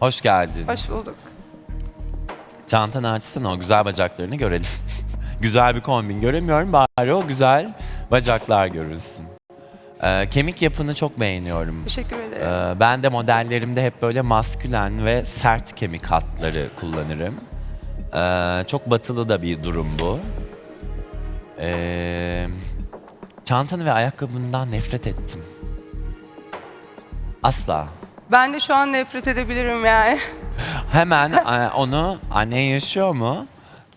Hoş geldin. Hoş bulduk. Çantanı açsana, o güzel bacaklarını görelim. Güzel bir kombin göremiyorum, bari o güzel bacaklar görülsün. Kemik yapını çok beğeniyorum. Teşekkür ederim. Ben de modellerimde hep böyle maskülen ve sert kemik hatları kullanırım. Çok batılı da bir durum bu. Çantanı ve ayakkabından nefret ettim. Asla. Ben de şu an nefret edebilirim yani. Hemen onu, annen yaşıyor mu?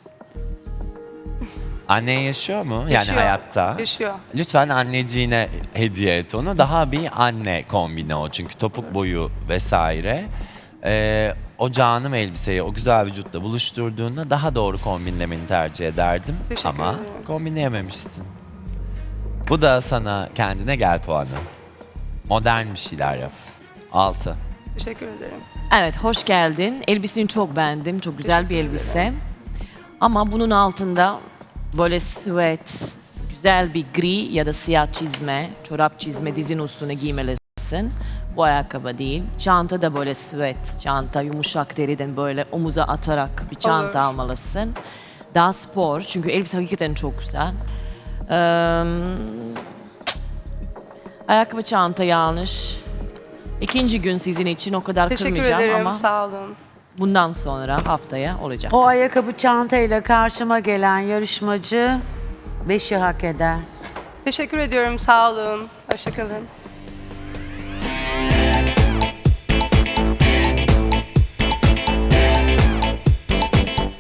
Annen yaşıyor mu? Yani Yaşıyor, hayatta. yaşıyor. Lütfen anneciğine hediye et onu. Daha bir anne kombini o. Çünkü topuk boyu vesaire. O canım elbiseyi o güzel vücutla buluşturduğunda daha doğru kombinlemeni tercih ederdim. Teşekkür Ama ederim. kombinleyememişsin. Bu da sana kendine gel puanı. Modern bir şeyler yap. 6. Teşekkür ederim. Evet, hoş geldin. Elbiseni çok beğendim. Çok güzel bir elbise. Ama bunun altında böyle süet, güzel bir gri ya da siyah çizme, çorap çizme dizin üstüne giymelisin. Bu ayakkabı değil. Çanta da böyle süet, çanta yumuşak deriden böyle omuza atarak bir çanta Olur. almalısın. Daha spor çünkü elbise hakikaten çok güzel. Ayakkabı çanta yanlış. İkinci gün sizin için o kadar Teşekkür kırmayacağım ederim. ama Sağ olun. bundan sonra haftaya olacak. O ayakkabı çantayla karşıma gelen yarışmacı 5'i hak eder. Teşekkür ediyorum. Sağ olun. Hoşça kalın.